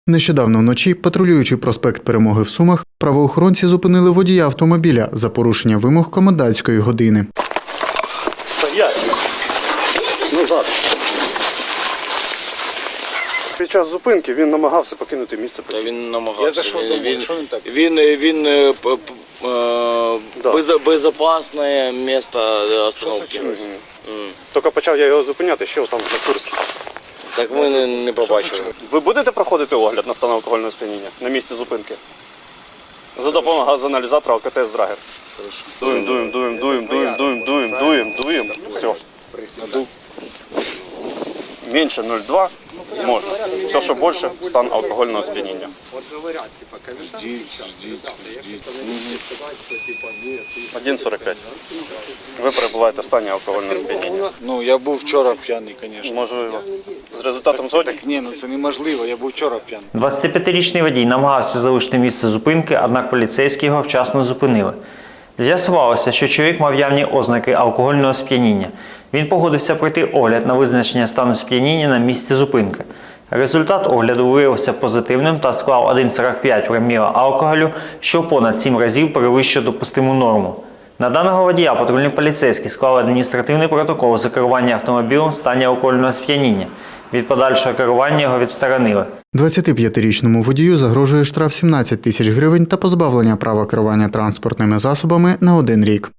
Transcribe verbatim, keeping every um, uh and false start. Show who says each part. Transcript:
Speaker 1: Нещодавно вночі, патрулюючи проспект Перемоги в Сумах, правоохоронці зупинили водія автомобіля за порушення вимог комендантської години.
Speaker 2: Стоять! Назад! Під час зупинки він намагався покинути місце.
Speaker 3: Та він намагався.
Speaker 4: Я зайшов
Speaker 3: він,
Speaker 4: домой.
Speaker 3: він,
Speaker 4: Що він так?
Speaker 3: він, він, е, п- п- е,
Speaker 2: Да.
Speaker 3: безо- безопасне місце остановки.
Speaker 2: Мгм. Тільки почав я його зупиняти, що там на Курській.
Speaker 3: Так ми не, не побачили.
Speaker 2: Ви будете проходити огляд на стан алкогольного сп'яніння на місці зупинки? За допомогою газоаналізатора алкотест-драгер. Дуєм, дуєм, дуєм, дуєм, дуєм, дуєм, дуєм, дуєм, дуєм. Все. Менше нуль цілих два можна. Все, що більше, стан алкогольного сп'яніння. один сорок п'ять. Ви перебуваєте в стані алкогольного сп'яніння.
Speaker 4: Ну, я був вчора п'яний, звісно.
Speaker 2: Можливо. З результатом згодні?
Speaker 4: Так ні, ну це неможливо, я був вчора п'яний.
Speaker 5: двадцятип'ятирічний водій намагався залишити місце зупинки, однак поліцейські його вчасно зупинили. З'ясувалося, що чоловік мав явні ознаки алкогольного сп'яніння. Він погодився пройти огляд на визначення стану сп'яніння на місці зупинки. Результат огляду виявився позитивним та склав один цілих сорок п'ять проміла алкоголю, що понад сім разів перевищує допустиму норму. На даного водія патрульні поліцейські склали адміністративний протокол за керування автомобілем в стані алкогольного сп'яніння. Від подальшого керування його відсторонили.
Speaker 1: двадцятип'ятирічному водію загрожує штраф сімнадцять тисяч гривень та позбавлення права керування транспортними засобами на один рік.